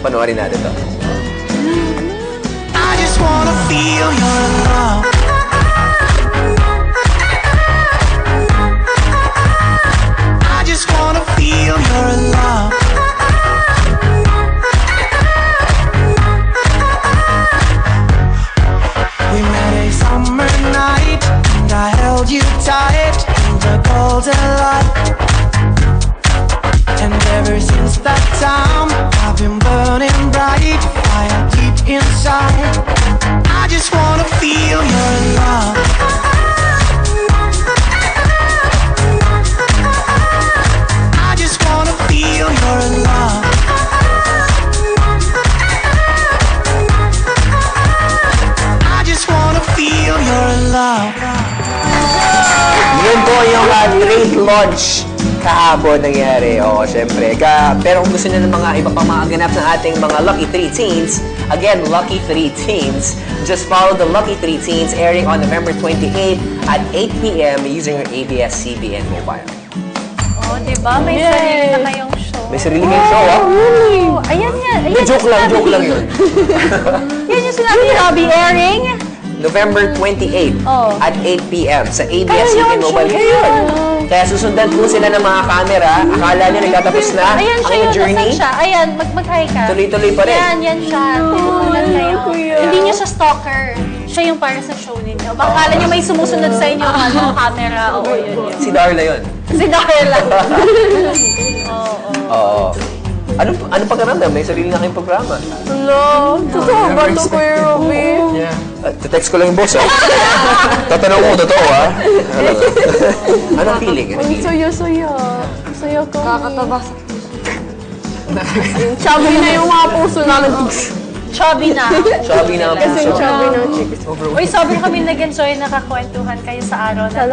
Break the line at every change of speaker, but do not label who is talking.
panoorin natin to.
I just wanna feel your love. I just wanna feel your love. We met a summer night and I held you tight in the golden light. And ever since that time I've been burning bright, fire deep inside. I just wanna feel your love. I just wanna feel your love. I just wanna feel your love.
Yun po yung great launch kahapon nangyari. Oo, syempre. Pero kung gusto nyo ng mga iba pang mga ganap ng ating mga Lucky 3 Teens, again, Lucky 3 Teens, just follow the Lucky 3 Teens airing on November 28 at 8 p.m. using your ABS-CBN mobile.
Oh, diba? May sarili na kayong show.
May sarili kayong show, ah?
Oh, ayan yan. Ayan
Joke lang yun.
Yan yung sinabi ni Robbie, airing
November 28
Oh.
at 8 p.m. sa ABS-CBN mobile. Kaya susundan po sila ng mga camera. Akala nyo nagtatapos na
Ayan siya
ang
yung
journey.
nasan siya. Ayan, mag-hi ka.
Tuloy-tuloy pa rin.
Yan siya. Tutunan kayo. Hindi niya siya stalker. Siya yung para sa show ninyo. Baka akala niyo may sumusunod sa inyo camera. Oo, yun.
Si Darla yun.
Si Darla.
Oo. Ano pakiramdam? May sarili na kayong programa.
Hello, totoo ba ito, Kuya Robby?
Yeah. Text ko lang yung boss, ah. Tatanong ko, totoo, ah. Anong feeling?
Ang saya-saya. Saya ko.
Kakataba sa
Chubby na yung mga puso namin.
Chubby na.
Chubby na ang
Kasi
puso.
chubby na chicks.
Uy, sobrang kami nag-enjoy, nakakwentuhan kayo sa araw na